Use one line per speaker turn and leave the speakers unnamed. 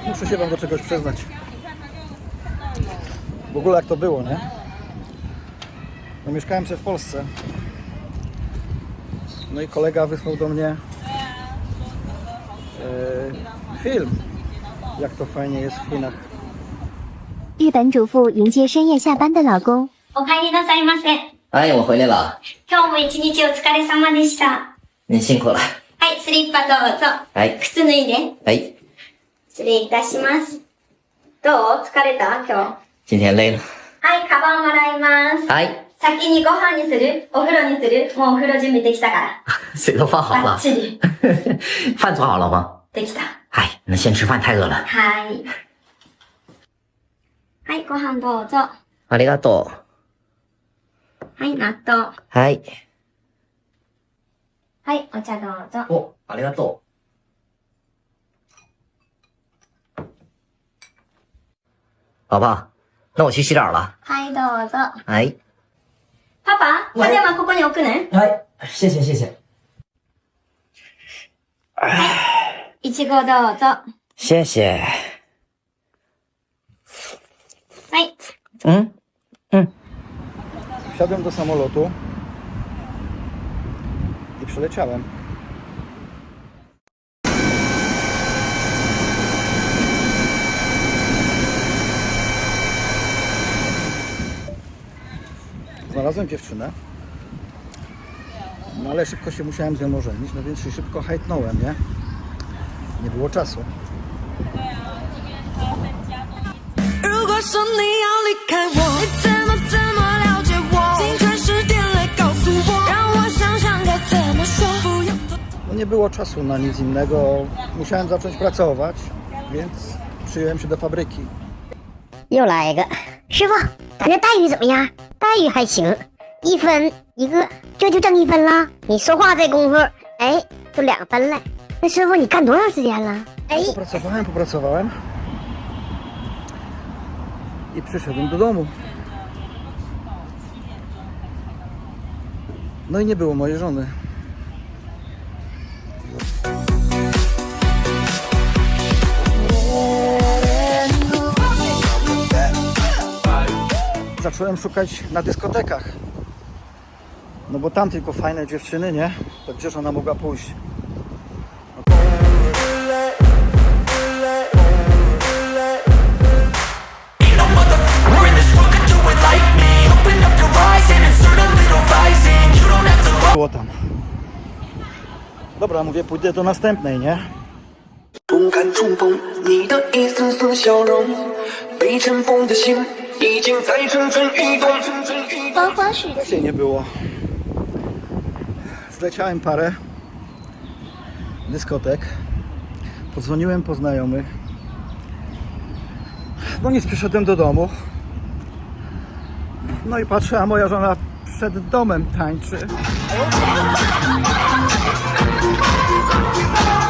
Muszę się wam do czegoś przyznać. W ogóle jak to było, nie? No mieszkałem sobie w Polsce. No i kolega wysłał do mnie film, jak to fajnie jest w Chinach.
日本主妇迎接深夜下班的老公。
お帰りなさいませ。
哎，我回来了。
今日も一日お疲れ様でした。
您辛苦了。
はい、スリッパどうぞ。
はい。
靴脱いで。
哎，
失礼いたします。どう疲れた今日。
今天累了。
はい、カバンもらいます。
はい。
先にご飯にするお風呂にするもうお風呂準備できたから。
水都放好了。
バッチリ。
饭做好了吗？
できた。
哎，那先吃饭，太饿了。
はい。はい、ご飯どうぞ。
ありがと
はい、納豆。
う。はい。
はい、お茶どうぞ。
お、ありがとう。宝宝，那我去洗澡了。
はい、どうぞ。
哎。
パパ、パジャマここに置くね。
哎，谢谢谢谢。
いちごどうぞ。
谢谢。
はい。
嗯嗯。
Wsiadłem do samolotu i przyleciałem. Znalazłem dziewczynę, no ale szybko się musiałem z nią ożenić, no więc się szybko hajtnąłem, nie? Nie było czasu.
如果说你要离开我，你怎么了解我？请传时点来告诉我，让我想想该怎么说。不要多
No nie było czasu na nic innego, musiałem zacząć pracować, więc przyjąłem się do fabryki.
又来一个，师傅，咱这待遇怎么样？待遇还行，1分一个，这就挣1分了。你说话这功夫，哎，就2分了。那师傅，你干多长时间了？哎，
Popracowałem i przyszedłem do domu. No i nie było mojej żony. Zacząłem szukać na dyskotekach. No bo tam tylko fajne dziewczyny, nie? To gdzież ona mogła pójść? Było tam. Dobra, mówię, pójdę do następnej, nie?
不敢触碰你的一丝丝笑容，被尘封的心已经在蠢蠢欲动。
Się nie było. Zleciałem parę dyskotek. Podzwoniłem po znajomych. No nic, przyszedłem do domu. No i patrzę, a moja żona przed domem tańczy.